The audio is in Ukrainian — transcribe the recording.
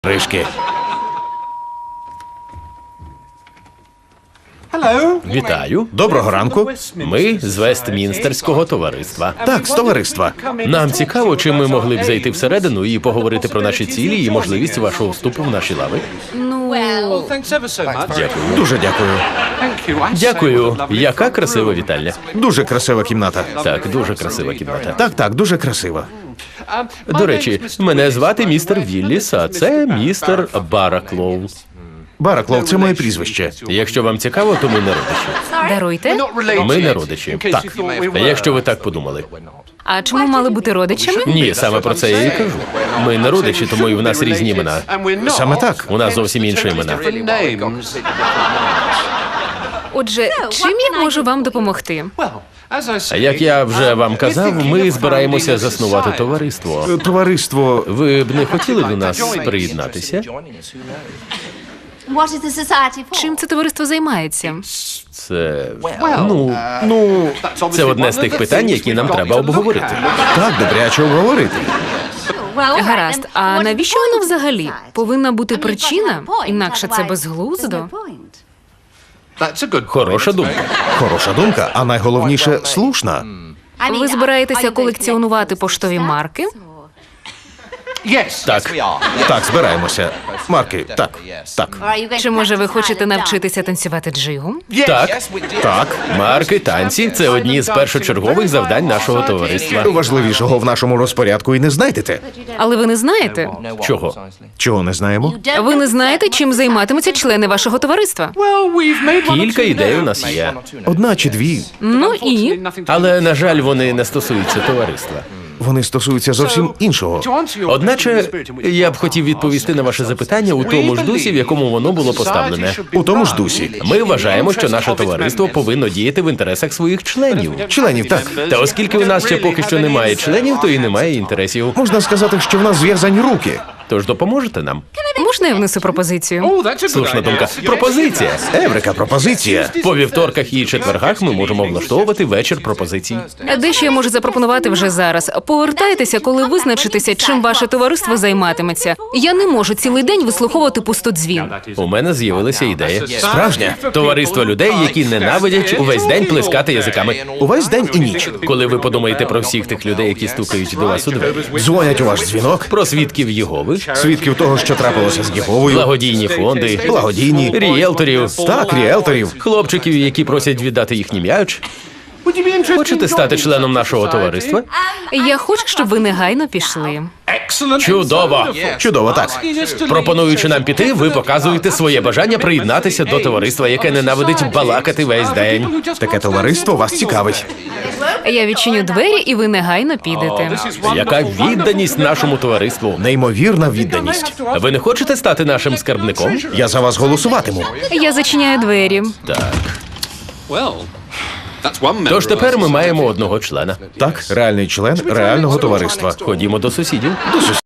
Ришки. Вітаю. Доброго ранку. Ми з Вестмінстерського товариства. Так, з товариства. Нам цікаво, чи ми могли б зайти всередину і поговорити про наші цілі і можливість вашого вступу в наші лави. Дякую. Дуже дякую. Дякую. Яка красива вітальня. Дуже красива кімната. Так, дуже красива кімната. Так, дуже красива. До речі, мене звати містер Вілліс, а це містер Бараклоу. Бараклов – це моє прізвище. Якщо вам цікаво, то ми не родичі. Даруйте. Ми не родичі. Так, якщо ви так подумали. А чому мали бути родичами? Ні, саме про це я і кажу. Ми не родичі, тому і в нас різні імена. Саме так. У нас зовсім інші імена. Отже, чим я можу вам допомогти? Як я вже вам казав, ми збираємося заснувати товариство. Товариство. Ви б не хотіли до нас приєднатися? Чим це товариство займається? Це... Це одне з тих питань, які нам треба обговорити. Так, добряче обговорити. Гаразд, а навіщо воно взагалі? Повинна бути причина, інакше це безглуздо. Хороша думка. Хороша думка, а найголовніше – слушна. Ви збираєтеся колекціонувати поштові марки? Так. Так, збираємося. Марки, так. Чи, може, ви хочете навчитися танцювати джигу? Так. Так. Марки, танці – це одні з першочергових завдань нашого товариства. Важливішого в нашому розпорядку і не знайдете. Але ви не знаєте. Чого? Чого не знаємо? Ви не знаєте, чим займатимуться члени вашого товариства? Кілька ідей у нас є. Одна чи дві. Ну і? Але, на жаль, вони не стосуються товариства. Вони стосуються зовсім іншого. Одначе, я б хотів відповісти на ваше запитання у тому ж дусі, в якому воно було поставлене. У тому ж дусі. Ми вважаємо, що наше товариство повинно діяти в інтересах своїх членів. Членів, так. Та оскільки у нас ще поки що немає членів, то і немає інтересів. Можна сказати, що в нас зв'язані руки. Тож допоможете нам? Можна я внесу пропозицію? Слушна думка. Пропозиція. Еврика, пропозиція. По вівторках і четвергах ми можемо влаштовувати вечір пропозицій. Дещо я можу запропонувати вже зараз. Повертайтеся, коли визначитеся, чим ваше товариство займатиметься. Я не можу цілий день вислуховувати пустодзвін. У мене з'явилася ідея. Справжня. Товариство людей, які ненавидять увесь день плескати язиками. Увесь день і ніч. Коли ви подумаєте про всіх тих людей, які стукають до вас у двері. Дзвонять у ваш дзвінок. Про свідків Єгови, Свідків того, що трапилося з Єговою. благодійні фонди, Благодійні. ріелторів, Так, ріелторів. хлопчиків, які просять віддати їхній м'яч. Хочете стати членом нашого товариства? Я хочу, щоб ви негайно пішли. Чудово! Чудово, так. Пропонуючи нам піти, ви показуєте своє бажання приєднатися до товариства, яке ненавидить балакати весь день. Таке товариство вас цікавить. Я відчиню двері, і ви негайно підете. Яка відданість нашому товариству? Неймовірна відданість. Ви не хочете стати нашим скарбником? Я за вас голосуватиму. Я зачиняю двері. Так. Тож тепер ми маємо одного члена. Так, реальний член реального товариства. Ходімо до сусідів.